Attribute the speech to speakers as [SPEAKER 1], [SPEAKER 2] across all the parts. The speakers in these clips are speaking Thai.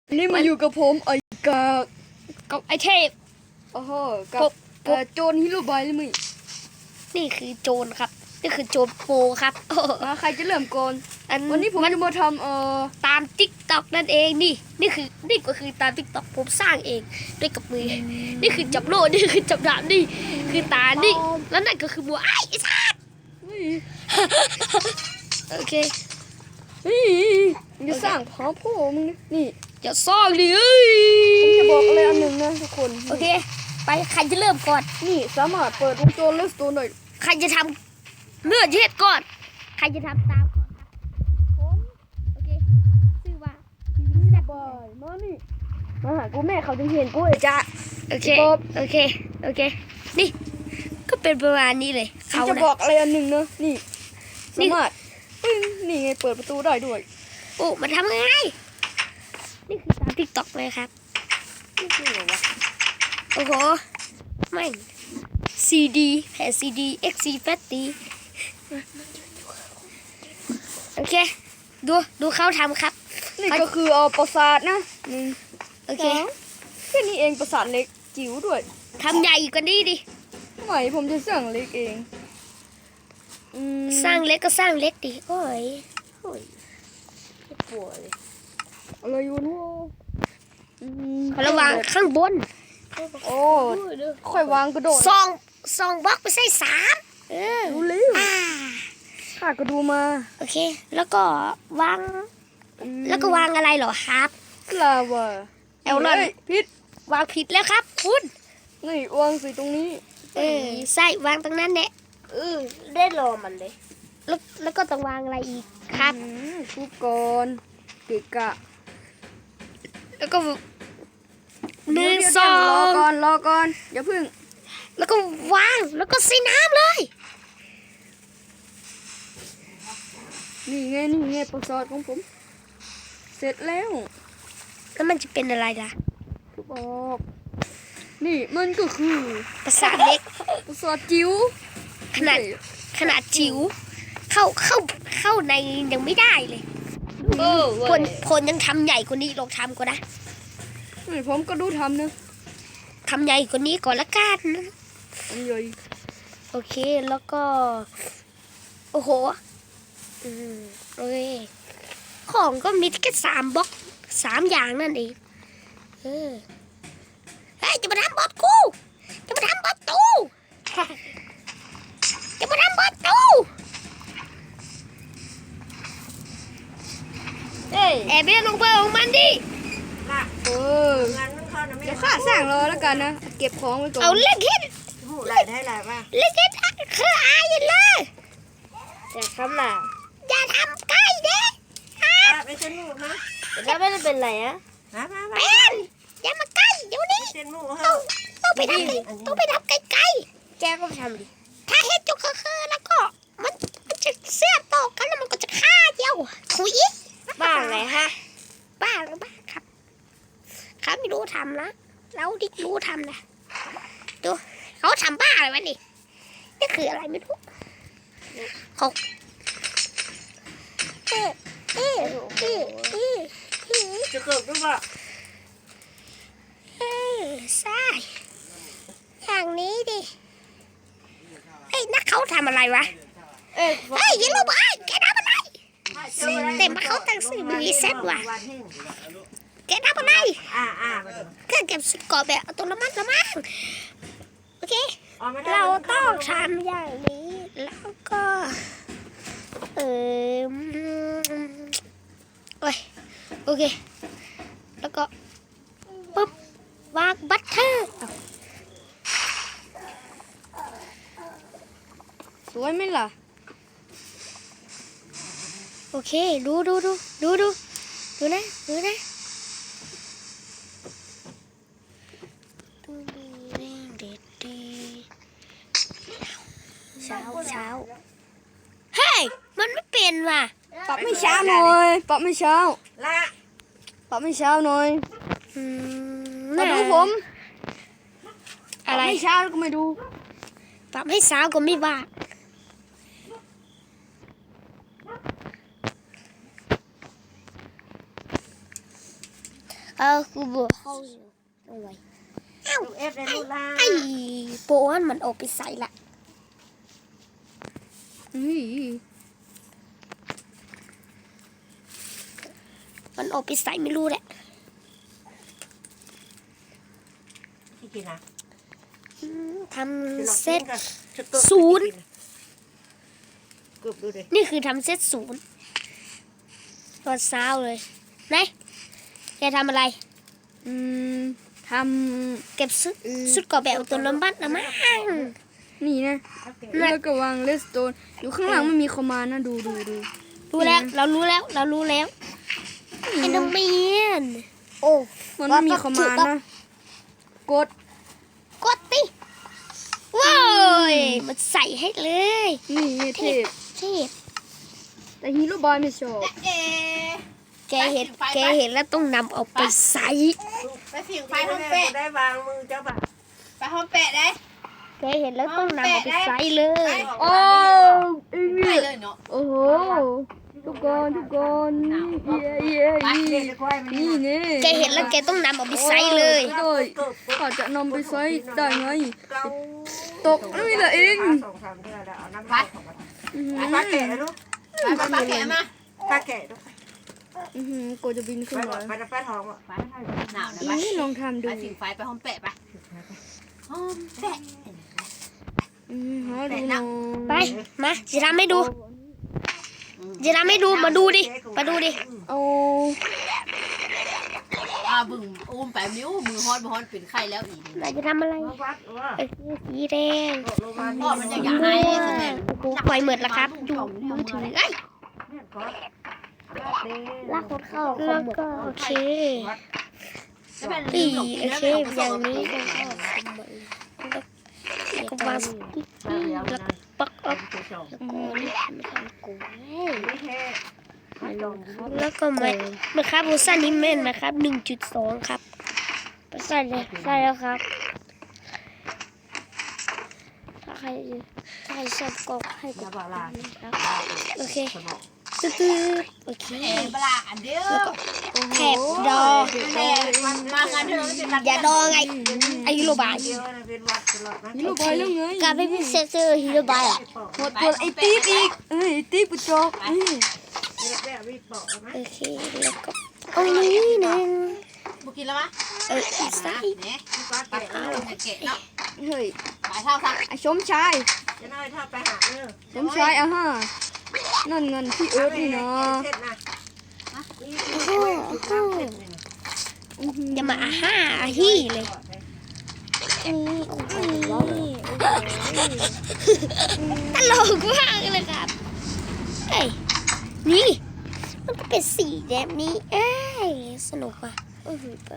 [SPEAKER 1] นี่มาอยู่กับผม
[SPEAKER 2] กับไอเทพ
[SPEAKER 1] โอ้โหกับโจรฮิโรบายเลยมึง
[SPEAKER 2] นี่คือโจรครับนี่คือโจรโปครับ
[SPEAKER 1] ใครจะเริ่มก่อนวันนี้ผมจะมาท
[SPEAKER 2] ำตามติ๊กต็อกนั่นเองนี่ก็คือตามติ๊กต็อกผมสร้างเองด้วยกับมือนี่คือจับโล่นี่คือจับดาบนี่คือตานี่แล้วนั่นก็คือบัวไอ้สัตว์โอเค
[SPEAKER 1] จะสร้างพร้อมพ่อมึงนี่
[SPEAKER 2] จะซ่องดิ
[SPEAKER 1] ผมจะบอกอะไรอันหนึ่งนะทุกคน
[SPEAKER 2] โอเคไปใครจะเริ่มก่อน
[SPEAKER 1] นี่สามารถเปิดวงจรเลสโตนหน่อย
[SPEAKER 2] ใครจะทำเลือดเย็ดก่อนใครจะทำตามก่อนครับผมโอเคชื่อว่า
[SPEAKER 1] สบายมานี่มาหากูแม่เขาจะเห็นกูจะ
[SPEAKER 2] โอเคนี่ก็เป็นประมาณนี้เลย
[SPEAKER 1] เขาจะบอกอะไรอันหนึ่งนะนี่สามารถนี่ไงเปิดประตูได้ด้วย
[SPEAKER 2] โอ้มันทำไงนี่คือตามติ๊กต็อกเลยครับ
[SPEAKER 1] นี่คืออะไรวะ
[SPEAKER 2] โอ้โหไม่CD แผ่น CD XC แฟตตีโอเคดูเขาทำครับ
[SPEAKER 1] นี่ก็คือปราสาทนะ
[SPEAKER 2] โอเค
[SPEAKER 1] แค่นี้เองปราสาทเล็กจิ๋วด้วย
[SPEAKER 2] ทำใหญ่กว่านี้ดิ
[SPEAKER 1] ไม่ผมจะสร้างเล็กเอง
[SPEAKER 2] สร้างเล็กก็สร้างเล็กดิโอ้ยปวดเลย
[SPEAKER 1] อะไรอยู่นู้น
[SPEAKER 2] ระวังข้างบน
[SPEAKER 1] โอ้ค่อยวางกระโดด
[SPEAKER 2] ซองบล็อกไปใส่3
[SPEAKER 1] รู้เลยข้าก็ดูมา
[SPEAKER 2] โอเคแล้วก็วางอะไรเหรอครับ
[SPEAKER 1] ลาวา
[SPEAKER 2] เอลลอน
[SPEAKER 1] ผิด
[SPEAKER 2] วางผิดแล้วครับคุณ
[SPEAKER 1] นี่วางสิตรงนี้
[SPEAKER 2] ใส่วางตรงนั้นเนี่ยได้รอมันเลยแล้วก็ต้องวางอะไรอีกครับ
[SPEAKER 1] ทุกคนเกะกะ
[SPEAKER 2] แล้วก็
[SPEAKER 1] 1 2รอก่อนอย่าพึ่ง
[SPEAKER 2] แล้วก็วางแล้วก็ใส่น้ำเลย
[SPEAKER 1] นี่ไงปราสาทของผมเสร็จแล้ว
[SPEAKER 2] มันจะเป็นอะไรล่ะ
[SPEAKER 1] บอกนี่มันก็คือ
[SPEAKER 2] ปราสาทเล็ก
[SPEAKER 1] ปราสาทจิ๋ว
[SPEAKER 2] ขนาดจิ๋วเข้าในยังไม่ได้เลยผลยังทำใหญ่กว่านี้ลองทำก็ได้
[SPEAKER 1] ผมก็ดูทำนะ
[SPEAKER 2] ทำใหญ่กว่านี้ก่อนละกันนะ
[SPEAKER 1] ใหญ่
[SPEAKER 2] โอเคแล้วก็โอ้โหโอเคของก็มีแค่3บล็อก3อย่างนั่นเองเฮ้ยจะมาทำบอสกูจะมาทำบอสตูจะมาทำบอสตูแอบเบี้ยลงไปของมันดิ
[SPEAKER 1] เดี๋ยวข้าสร้างรอแล้วกันนะเก็บของไว้ก่อน
[SPEAKER 2] เอาเล็กฮิต
[SPEAKER 3] หลายได้หลายมาก
[SPEAKER 2] เล็กฮิตคืออายเลย
[SPEAKER 3] แต่คำหนา
[SPEAKER 2] อย่าทำใกล้เด็ก
[SPEAKER 3] ไม่ใช่ลูกนะ
[SPEAKER 2] แล้วไม่ได้เป็นไรอะเป็นอย่ามาใกล้เดี๋ยวนี้ต้องไปทำไกล
[SPEAKER 3] แกก็ทำดิ
[SPEAKER 2] ถ้าเฮ็ดจุกคือแล้วก็มันจะเสียบต่อกันแล้วมันก็จะฆ่าเดียวถุย
[SPEAKER 3] บ้าไงฮะ
[SPEAKER 2] บ้าครับเขาไม่รู้ทำนะเราดิรู้ทำนะดูเขาทำบ้าอะไรวะนี่นี่คืออะไรไม่รู้เขา
[SPEAKER 3] จะเกิดหรือเปล่า
[SPEAKER 2] ใช่อย่างนี้ดิเฮ้ยนักเขาทำอะไรวะเฮ้ยยิงลูกบอลแกทำอะไรเต็มเขาตั้งสื่อมีเซ็ตว่ะแกทำอะไรแค่เก็บสุดกรอบแบบตัวละมั่งโอเคเราต้องทำอย่างนี้แล้วก็โอเคแล้วก็ปุ๊บวางบัตเตอร์
[SPEAKER 1] สวยไหมล่ะ
[SPEAKER 2] โอเคดูนะเช้าเฮ้ยมันไม่เป็นว่ะ
[SPEAKER 1] ปรับไม่เช้าหน่อยปรับไม่เช้าหน่อยมาดูผม
[SPEAKER 2] อะไร
[SPEAKER 1] ไม่เช้าก็ไม่ดู
[SPEAKER 2] ปรับให้เช้าก็ไม่บ้ากูบอกเข้าเอาไว้
[SPEAKER 3] ลูกเอฟในลูกล่า
[SPEAKER 2] ไอ้โปนมันออกไปใส่ละ
[SPEAKER 1] อุ้ย
[SPEAKER 2] มันออกไปใส่ไม่รู้แหละ
[SPEAKER 3] ที่กินนะ
[SPEAKER 2] ทำเซต ศูนย์
[SPEAKER 3] กรุบดูดิ
[SPEAKER 2] นี่คือทำเซตศูนย์ตอนเช้าเลยไหนแกทำอะไร
[SPEAKER 1] อืมท
[SPEAKER 2] เก็บชุดเกาะแบบตัวน้ำบัตรนะมั้ง
[SPEAKER 1] ำนี่นะแล้วก็วางเลสโตนอยู่ข้างหลังมันมีคอมมานด์นะดู
[SPEAKER 2] รู้แล้วเรารู้แล้วเอ็นเดอร์แมนโอ้
[SPEAKER 1] มันไม่มีคอมมานด์นะกด
[SPEAKER 2] กดติว้าวมันใส่ให้เลย
[SPEAKER 1] นี่เทพ
[SPEAKER 2] เทพ
[SPEAKER 1] แต่ฮีโร่บอยไม่ชอบ
[SPEAKER 2] แกเห็นแล้วต้องนำเอาไปใส่
[SPEAKER 3] ไปผิงไฟห้องแปะได้วางมือเจ้าบ่าไปห้องแปะได้
[SPEAKER 2] แกเห็นแล้วต้องนำเอาไปใส่เลย
[SPEAKER 1] โอ้อี
[SPEAKER 3] ไป
[SPEAKER 1] นี่
[SPEAKER 3] เลยเนาะ
[SPEAKER 1] โอ้โหทุกคนเย้
[SPEAKER 3] ไปเด็กควายมัน
[SPEAKER 1] นี่นี่
[SPEAKER 2] แกเห็นแล้วแกต้องนำเอาไปใส่เลย
[SPEAKER 1] โดยเขาจะนำไปใช้ได้ไง
[SPEAKER 3] เกา
[SPEAKER 1] ตกนี่แหละเอง
[SPEAKER 3] สองสามเดือนแล้วเอาน้ำปลาปลาแกะลูกปลาแกะมาปลาแกะลูก
[SPEAKER 1] กูจะบินขึ้นมา
[SPEAKER 3] ปลาปลาทองอ่ะปลาหนาวนะ
[SPEAKER 1] อีลองทำดู
[SPEAKER 3] ไปผิงไฟไปห้องแปะไปห้องแปะ
[SPEAKER 1] หาดูหน่อย
[SPEAKER 2] ไปมาจะทำให้ดูจะทำให้ดูมาดูดิมาดูดิ
[SPEAKER 1] เอา
[SPEAKER 3] บึ้งอุ้มแปะนิ้วมือฮอนมือฮอนเป็นไข้แล้วอีก
[SPEAKER 2] นายจะทำอะไรสีแดง
[SPEAKER 3] พ่อมันจะอยากให้
[SPEAKER 2] โอ้โหปล่อยเหมือดแล้วครับดูมือถือไอ้ลากคนเข้าแล้วก็โอเคปีโอเคอย่างนี้ก็วางสติ๊กเกอร์แล้วก็ปักออกแล้วก็มาครับบูซ่านิเมนนะครับ 1.2 ครับใส่เลยใส่แล้วครับถ้าใครชอบก็ให้กดครับโอเคตื้อโอเค
[SPEAKER 3] ปลาอันเดียว
[SPEAKER 2] แถบดอ
[SPEAKER 3] มากันเถอะ
[SPEAKER 2] อย่าดอไงไอฮิโรบาย
[SPEAKER 1] ฮีโร่บอยแล้วไง
[SPEAKER 2] การไม่เป็นเซนเซอร์ฮิโรบายอ่ะ
[SPEAKER 1] หมดตัวไอ้ติ๊บอีกไอ้ติ๊บปุจจก
[SPEAKER 2] โอเคแล้วก็เอานี้หนึ่ง
[SPEAKER 3] บุกินแล้วมะ
[SPEAKER 2] อีกไส้
[SPEAKER 3] เนี่ยปลาเอาแกะเนาะ
[SPEAKER 1] เฮ้ย
[SPEAKER 3] ปลาเท่าซัก
[SPEAKER 1] ไอ้ชมชาย
[SPEAKER 3] จะน้อยเท่าไปหาเนอะ
[SPEAKER 1] ชมชายฮะนั่นเงินที่เอิร์ธนี่นะ
[SPEAKER 2] อย่ามาอาห้าอาฮี่เลยตลกมากเลยครับเอ้ยนี่มันก็เป็นสีแบบนี้เอ้ยสนุกว่ะอู้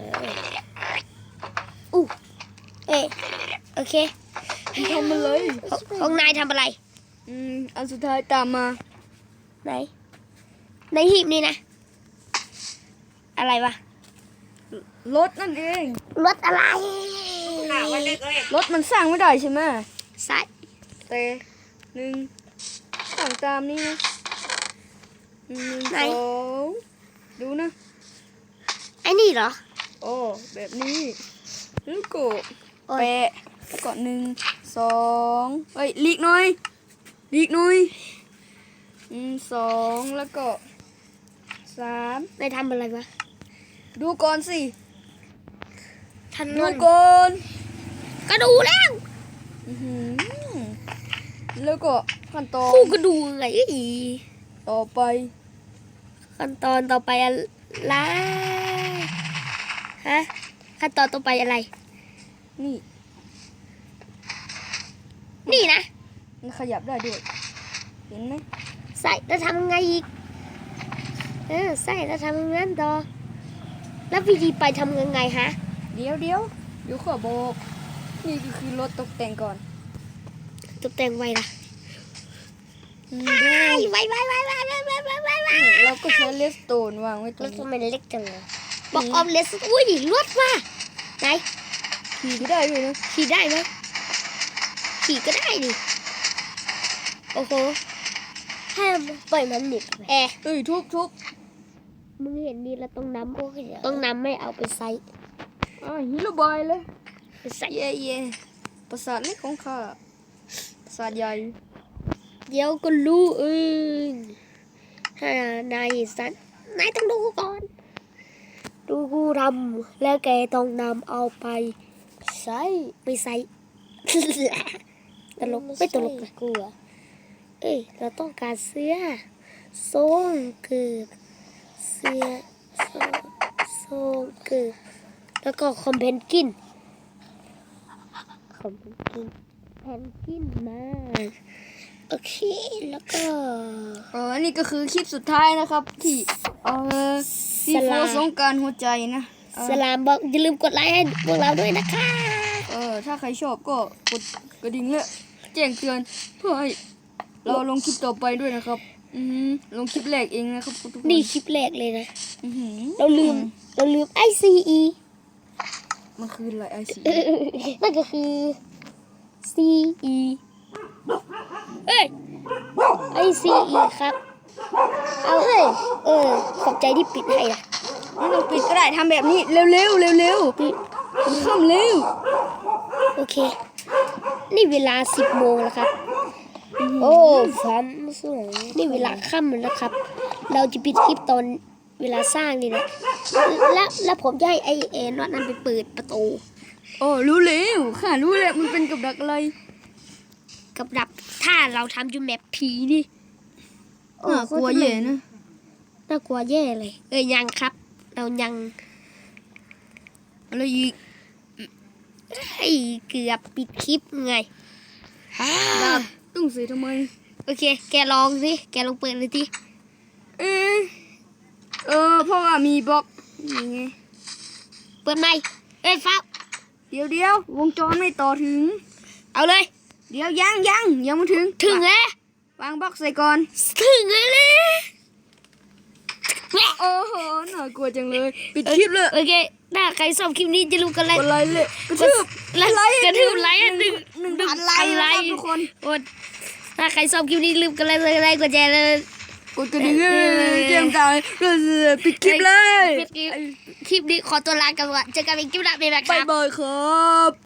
[SPEAKER 2] เอ้ยโอเค
[SPEAKER 1] ทำมาเลย
[SPEAKER 2] ของนายทำอะไร
[SPEAKER 1] อันสุดท้ายตามมา
[SPEAKER 2] ไหนในหีบนี่นะอะไรวะ
[SPEAKER 1] รถนั่นเอง
[SPEAKER 2] รถอะไร
[SPEAKER 1] รถมันสร้างไม่ได้ใช่ไหม
[SPEAKER 2] ใส่
[SPEAKER 1] แต่หนึ่งสั่งตามนี่นะสองดูนะ
[SPEAKER 2] ไอ้นี่เหรอ
[SPEAKER 1] โอ้แบบนี้แล้วก็แปะแล้วก็1 2เฮ้ยลีกหน่อย2แล้วก็3
[SPEAKER 2] นายทำอะไรวะ
[SPEAKER 1] ดูก่อนสิ
[SPEAKER 2] ทัน
[SPEAKER 1] ดู
[SPEAKER 2] น
[SPEAKER 1] ก่อน
[SPEAKER 2] ก็ดูแล้ว
[SPEAKER 1] แล้วก็ขั้นตอน
[SPEAKER 2] คู่ก็ดูไงอี
[SPEAKER 1] ต่อไป
[SPEAKER 2] ขั้นตอนต่อไปอะไรฮะขั้นตอนต่อไปอะไร
[SPEAKER 1] นี่
[SPEAKER 2] นี่นะ
[SPEAKER 1] มันขยับได้ด้วยเห็นไหม
[SPEAKER 2] ใส่แล้วทำไงอีกใส่แล้วทำงั้นต่อแล้ววิธีไปทำยังไงฮะ
[SPEAKER 1] เดี๋ยวขอบอกนี่ก็คือรถตกแต่งก่อน
[SPEAKER 2] ตกแต่งไว้ละ
[SPEAKER 1] ดู
[SPEAKER 2] ไว้
[SPEAKER 1] เราก็ใช้เลสโตนวางไว้ตร
[SPEAKER 2] รง ถ
[SPEAKER 1] นี้
[SPEAKER 2] ทำไมเล็กจังเลยบอกออมเลสอุ้ยรถว่ะไหน
[SPEAKER 1] ขี่ก็ได้ด้วยนะ
[SPEAKER 2] ขี่ได้ไหมขี่ก็ได้ดิโอ้โหให้ปล่อยมันหนิบแอร์
[SPEAKER 1] เอ้ยทุบ
[SPEAKER 2] มึงเห็นนี่แล้วต้องนำไม่เอาไปใส่
[SPEAKER 1] ฮิโรบายเลย
[SPEAKER 2] ไปใส่
[SPEAKER 1] เย่ปราสาทเล็กของข้าปราสาทใหญ่
[SPEAKER 2] เดี๋ยวก็รู้เองถ้านายสันนายต้องดูก่อน ดูกูทำแล้วแกต้องนำเอาไปใส่ไปใส่ ตลกไม่ตลกนะกูอะเอ้ยเราต้องการเสื้อทรงเกือบเสื้อทรงเกือบแล้วก็คอมเพนกินแพนกินมาโอเคแล้วก็
[SPEAKER 1] นี่ก็คือคลิปสุดท้ายนะครับที่ซีโฟสงกรารหัวใจนะ
[SPEAKER 2] สลามบอกอย่าลืมกดไลค์ให้พวกเราด้วยนะคะ
[SPEAKER 1] ถ้าใครชอบก็กดกระดิ่งและแจ้งเตือนเพื่อให้เราลงคลิปต่อไปด้วยนะครับลงคลิปแรกเองนะครับทุกคน
[SPEAKER 2] นี่คลิปแรกเลยนะ
[SPEAKER 1] อื้อหือ
[SPEAKER 2] เราลืมICE
[SPEAKER 1] มันคืออะไรไอซี
[SPEAKER 2] นั่นก็คือ CE เอ้ย ICE ครับเอาขอบใจที่ปิดให้นะ
[SPEAKER 1] ไม่ต้องปิดก็ได้ทำแบบนี้เร็ว
[SPEAKER 2] ปิด
[SPEAKER 1] ข้ามเร็ว
[SPEAKER 2] โอเค นี่เวลา 10 โมงแล้วครับ โอ้ฟันสวยนี่เวลาค่ำแล้วครับ เราจะปิดคลิปตอนเวลาสร้างนี่นะแล้วผมจะให้ไอเอ็นว่านั้นไปเปิดประตู
[SPEAKER 1] รู้แล้วค่ะรู้แล้วมันเป็นกับดักอะไร
[SPEAKER 2] กับดับถ้าเราทำอยู่แมปผีนี่
[SPEAKER 1] น่ากลัวแย่นะ
[SPEAKER 2] น่ากลัวแย่เลยยังครับ เรายัง
[SPEAKER 1] อะไรอีก
[SPEAKER 2] ให้เกือบปิดคลิปไง
[SPEAKER 1] ดาบต้องเสียทำไม
[SPEAKER 2] โอเค แกลองสิแกลองเปิดเลยที
[SPEAKER 1] เพราะว่ามีบล็อกนี่ไง
[SPEAKER 2] เปิดไหมฟ้า
[SPEAKER 1] เดี๋ยววงจรไม่ต่อถึง
[SPEAKER 2] เอาเลย
[SPEAKER 1] เดี๋ยวยังไม่ถึง
[SPEAKER 2] ถึงแล้ว
[SPEAKER 1] วางบล็อกใส่ก่อน
[SPEAKER 2] ถึงแล้วนะ
[SPEAKER 1] โอ้โหน่ากลัวจังเลยปิดคลิปเลย
[SPEAKER 2] โอเคถ้าใครชอบคลิปนี้จะรู้กันเลย
[SPEAKER 1] กดไลค์เลยกระทืบ
[SPEAKER 2] กระทืบไลค์หนึ่ง
[SPEAKER 1] 1,000 ไลค์นะครับทุกคน
[SPEAKER 2] ถ้าใครชอบคลิปนี้ลืมกันไลค์กดแชร์เลย
[SPEAKER 1] กดกระดิ่งแจ้งเตือนปิดคลิปเลย
[SPEAKER 2] คลิปนี้ขอตัวลากันก่อนเจอกันอีกคลิปหน้าบ๊ายบายครับ
[SPEAKER 1] ๊ายบายครับ